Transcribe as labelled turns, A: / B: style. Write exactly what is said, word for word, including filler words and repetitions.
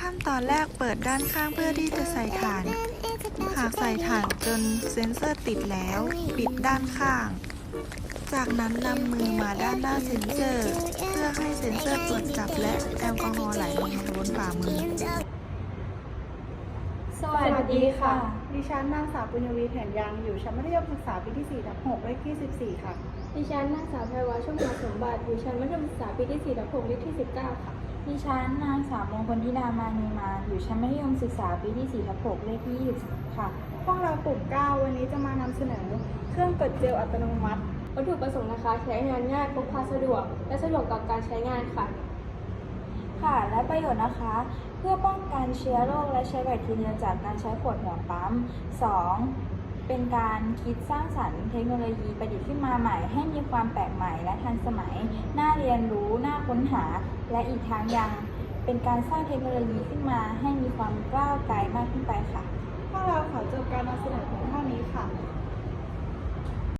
A: ขั้นตอนแรกเปิดด้านข้างเพื่อที่จะใส่ฐาน หากใส่ฐานจนเซ็นเซอร์ติดแล้ว ปิดด้านข้าง จากนั้นนำมือมาด้านหน้าเซ็นเซอร์ เพื่อให้เซ็นเซอร์ตรวจจับและแอลกอฮอล์ไหลลงมาบนฝ่ามือ
B: สวัสดีค่ะ
C: ดิฉันนางสาวปุญญวีแผ่นยังอยู่ชั้นมัธยมศึกษาปีที่สี่ทับหกเลขที่สิบสี่ค่ะ
B: ดิฉันนางสาวไพรวาชุ่มหาสมบัติอยู่ชั้นมัธยมศึกษาปีที่สี่ทับหกเลขที่สิบเก้าค่ะ
D: ดิฉันนางสาวมงคลธิดามานีมาอยู่ชั้นมัธยมศึกษาปีที่สี่ทับหกเลขที่ยี่สิบค่ะ
C: พวกเรากลุ่มเก้าวันนี้จะมานำเสนอเครื่องกดเจลอัตโนมัติ
B: วัตถุประสงค์นะคะใช้งานง่ายพกพาสะดวก และสะดวกต่อการใช้งานค่ะ
D: ค่ะ และประโยชน์นะคะ เพื่อป้องกันเชื้อโรคและเชื้อแบคทีเรียจากการใช้ขวดหัวปั๊ม สอง เป็นการคิดสร้างสรรค์เทคโนโลยีประดิษฐ์ขึ้นมาใหม่ ให้มีความแปลกใหม่และทันสมัย น่าเรียนรู้ น่าค้นหา และอีกทั้งยังเป็นการสร้างเทคโนโลยีขึ้นมาให้มีความก้าวไกลมากขึ้นไปค่ะ
C: พวกเราขอจบการนำเสนอเพียง